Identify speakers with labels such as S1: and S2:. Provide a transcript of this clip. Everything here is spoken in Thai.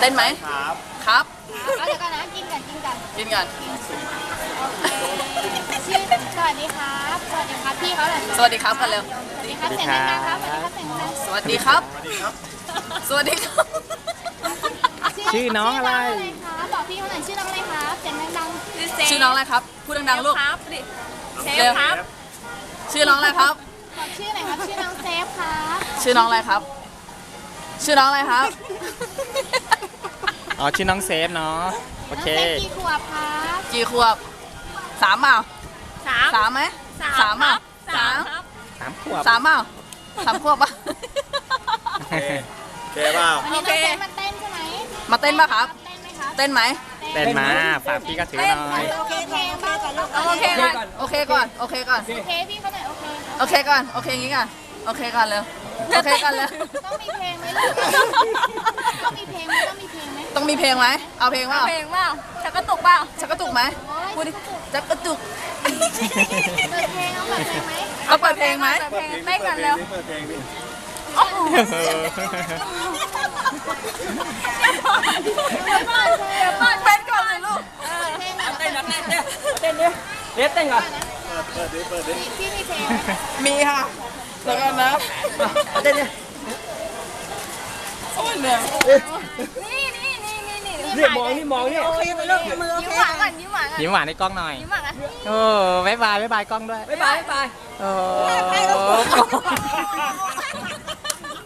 S1: เต้นไหม
S2: ครับ
S1: ครับ
S3: เอาเดี๋ยวก่อนนะกินกัน
S1: กินกัน
S3: โอเคชื่อสวัสดีครับพี่เขาเลย
S1: สวัสดีครับกันเร็ว
S3: สวัสดีครับเสียงดังๆครับสวัสดีครับเสียงดัง
S1: สวัสดีครับ สวัสดีครับ
S4: ชื่อน้องอะไร
S3: คะบอกพี่เขาหน่อยชื่อน้องอะไรครับเสียงดัง
S1: ชื่อน้องอะไรครับ พูดดังๆลูก
S3: ครับดิเซฟ
S1: เร็ว
S3: ครับ
S1: ชื่อน้องอะไรครับ
S3: บอกชื่อหน่อยครับชื่อน้องเซฟครับ
S1: ชื่อน้องอะไรครับ ชื่อน้องอะไรครับ
S4: อ๋อชื่อน้องเซฟเนาะโอเค
S3: น้องเซฟกี่ขวบครับ
S1: กี่ขวบ3เปล่า
S3: สาม
S1: ไหมสามเปล่าสาม
S4: 3 ขวบ
S1: 3เปล่า3 ขวบปะ
S2: โอเคเปล่า
S3: วันนี้น้องเซฟมาเต้นใช่ไหม
S1: มาเต้นปะครับ
S3: เต้นไหมครับ
S1: เต้นไหม
S4: เต้นมาฝากพี่ก็ถือหน่อย
S3: โอเคบ้างก่อนลูก
S1: โอเคก่อนโอเคก่อนโอเคก่อน
S3: โอเคพี่เขาหน่อยโอเค
S1: โอเคก่อนโอเคงี้ก่อนโอเคก่อนเร็วโอเคก่อนเร็ว
S3: ต้องมีเพลงไหมลูกต้องมีเพลงไหมต้องมีเพลงไหม
S1: ต้องมีเพลงไหมเอาเพลงเปล่า
S3: เพลงเปล่าชักกระตุกเปล่า
S1: ชักกระตุกไหมพูดดิจักกระตุก
S3: เปิดเพลงเอาเปิดเพลงไหม
S1: เอาเปิดเพลงไหม
S3: เปิดเพลงเต้นกันเร็ว
S2: เปิดเพลงดิ
S1: เต้นก่อนเลยลูก
S3: เต้นนะ
S4: เต้นดิเต้นก่อน
S2: เปิดดิ
S3: พี่มีเพลงไหม
S1: มีค่ะแล้วกันนะ
S4: เต้นดิ
S1: โอ้ยเนี่ย
S4: นี่มองนี่
S3: โอเคไปลูกมือโอเคยิ้มหวานก่อนยิ้มหวานก่อน
S4: ยิ้มหวานในกล้องหน่อย
S3: ยิ้มหวานกัน
S4: โอ้บ๊ายบายกล้องด้วย
S1: บ๊ายบาย
S4: โอ้